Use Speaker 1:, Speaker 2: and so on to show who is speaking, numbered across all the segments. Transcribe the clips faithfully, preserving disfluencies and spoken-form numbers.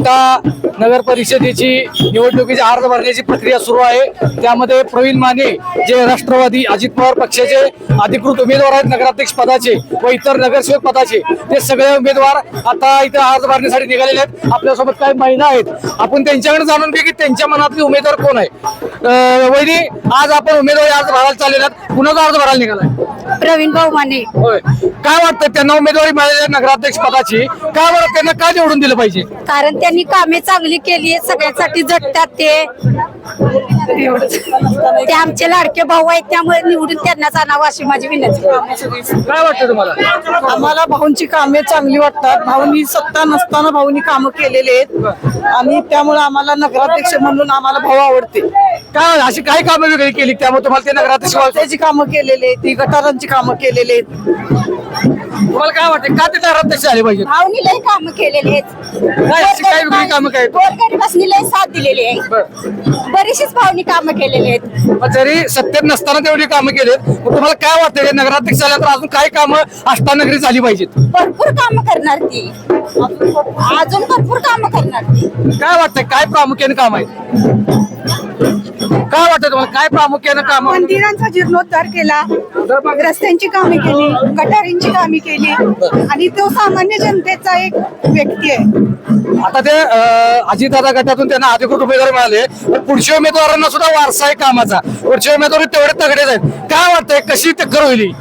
Speaker 1: आता नगर परिषदेची निवडणुकीची अर्ज भरण्याची प्रक्रिया सुरू आहे। त्यामध्ये प्रवीण माने जे राष्ट्रवादी अजित पवार पक्षाचे अधिकृत उमेदवार आहेत नगराध्यक्ष पदाचे व इतर नगरसेवक पदाचे, ते सगळे उमेदवार आता इथे अर्ज भरण्यासाठी निघालेले आहेत। आपल्यासोबत काही महिला आहेत, आपण त्यांच्याकडे जाणून घेऊ की त्यांच्या मनातले उमेदवार कोण आहे। अं, वहिनी, आज आपण उमेदवारी अर्ज भरायला चाललेला आहात, कुणाचा अर्ज भरायला निघालाय?
Speaker 2: प्रवीण भाऊ माने।
Speaker 1: होय, काय वाटतं त्यांना उमेदवारी मिळालेली आहे नगराध्यक्ष पदाची, का बरं त्यांना का निवडून दिलं पाहिजे?
Speaker 2: कारण त्यांनी कामे चांगली केली आहेत, सगळ्यांसाठी झटतात ते एवढंच। ते आमचे लाडके भाऊ आहेत, त्यामुळे निवडून त्यांनाच आणावं अशी माझी विनंती।
Speaker 1: काय वाटतं तुम्हाला?
Speaker 3: आम्हाला भाऊंची कामे चांगली वाटतात। भाऊंनी सत्ता नसताना भाऊंनी कामं केलेले आहेत आणि त्यामुळे आम्हाला नगराध्यक्ष म्हणून आम्हाला भाऊ आवडते।
Speaker 1: काय अशी काही कामं वेगळी केली त्यामुळे तुम्हाला ते नगराध्यक्ष व्हायचं?
Speaker 3: त्याची कामं केलेली आहेत, ती गटारांची कामं केलेली आहेत।
Speaker 1: तुम्हाला काय वाटतं का ते नगराध्यक्ष झाले पाहिजे?
Speaker 2: भाऊनी लय कामं केलेली आहेत,
Speaker 1: काय अशी काय वेगळी कामं काय?
Speaker 2: गोरगरिबांनी लय साथ दिलेली आहे,
Speaker 1: बरं.
Speaker 2: बरीचशीच भाऊनी कामं केलेली आहेत।
Speaker 1: मग जरी सत्तेत नसताना तेवढी कामं केलीत, मग तुम्हाला काय वाटतं हे नगराध्यक्ष झाल्यानंतर अजून काय कामं अष्टानगरी झाली पाहिजेत?
Speaker 2: भरपूर कामं करणार ती, अजून भरपूर कामं करणार ती।
Speaker 1: काय वाटतं काय प्रामुख्याने काम आहे? काय वाटतं तुम्हाला काय प्रामुख्याने काम?
Speaker 3: मंदिरांचा जीर्णोद्धार केला, रस्त्यांची कामे केली, गटारींची कामे केली आणि तो सामान्य जनतेचा एक व्यक्ती आहे।
Speaker 1: आता ते अजितदादा गटातून त्यांना अधिकृत उमेदवार मिळाले, पण पुढच्या उमेदवारांना सुद्धा वारसा आहे कामाचा, पुढच्या उमेदवार तेवढे तगडेच आहेत। काय वाटतंय कशी टक्कर होईल?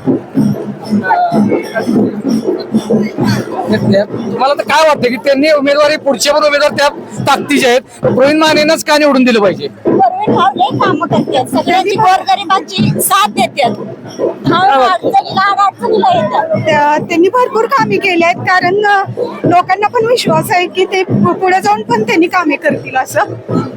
Speaker 1: तुम्हाला तर काय वाटतं की त्यांनी उमेदवारी पुढचे पण उमेदवार त्या ताकदीचे आहेत, प्रवीण मानेनंच का निवडून दिलं पाहिजे?
Speaker 2: प्रवीण भाऊ लय कामं करतात, सगळ्यांची गोरगरिबांची साथ देतात, भाऊ अडचणीला अडचणीला येतात।
Speaker 3: त्या- त्यांनी भरपूर कामे केली आहेत, कारण अ, लोकांना पण विश्वास आहे की ते पु- पुढे जाऊन पण त्यांनी कामे करतील असं।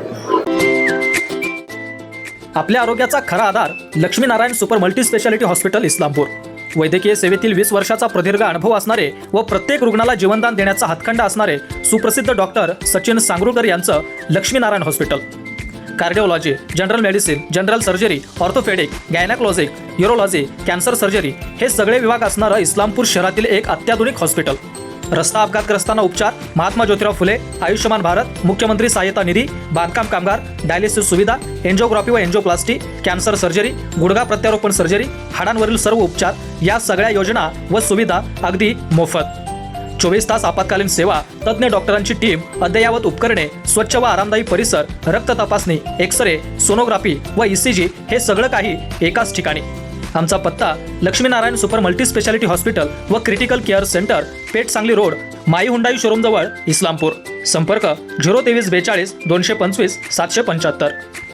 Speaker 4: आपल्या आरोग्याचा खरा आधार Laxminarayan super multi speciality hospital Islampur. वैद्यकीय सेवेतील वीस वर्षाचा प्रदीर्घ अनुभव असणारे व प्रत्येक रुग्णाला जीवनदान देण्याचा हातखंडा असणारे सुप्रसिद्ध डॉक्टर सचिन सांगरुळकर यांचं Laxminarayan hospital. Cardiology, general medicine, general surgery, orthopaedic, gynaecologic, urology, cancer surgery हे सगळे विभाग असणारं इस्लामपूर शहरातील एक अत्याधुनिक हॉस्पिटल। रस्ता अपघातग्रस्तांना उपचार, महात्मा ज्योतिराव फुले, आयुष्यमान भारत, मुख्यमंत्री सहायता निधी, बांधकाम कामगार, डायलिसिस सुविधा, एन्जिओग्राफी व एन्जिओप्लास्टी, कॅन्सर सर्जरी, गुडघा प्रत्यारोपण सर्जरी, हाडांवरील सर्व उपचार या सगळ्या योजना व सुविधा अगदी मोफत। चोवीस तास आपत्कालीन सेवा, तज्ज्ञ डॉक्टरांची टीम, अद्ययावत उपकरणे, स्वच्छ व आरामदायी परिसर, रक्त तपासणी, एक्सरे, सोनोग्राफी व ईसीजी हे सगळं काही एकाच ठिकाणी। आमचा पत्ता Laxminarayan super multi speciality hospital व critical care centre, Peth Sangli road, my Hyundai showroom जवळ, इस्लामपूर। संपर्क झिरो तेवीस बेचाळीस दोनशे पंचवीस सातशे पंच्याहत्तर।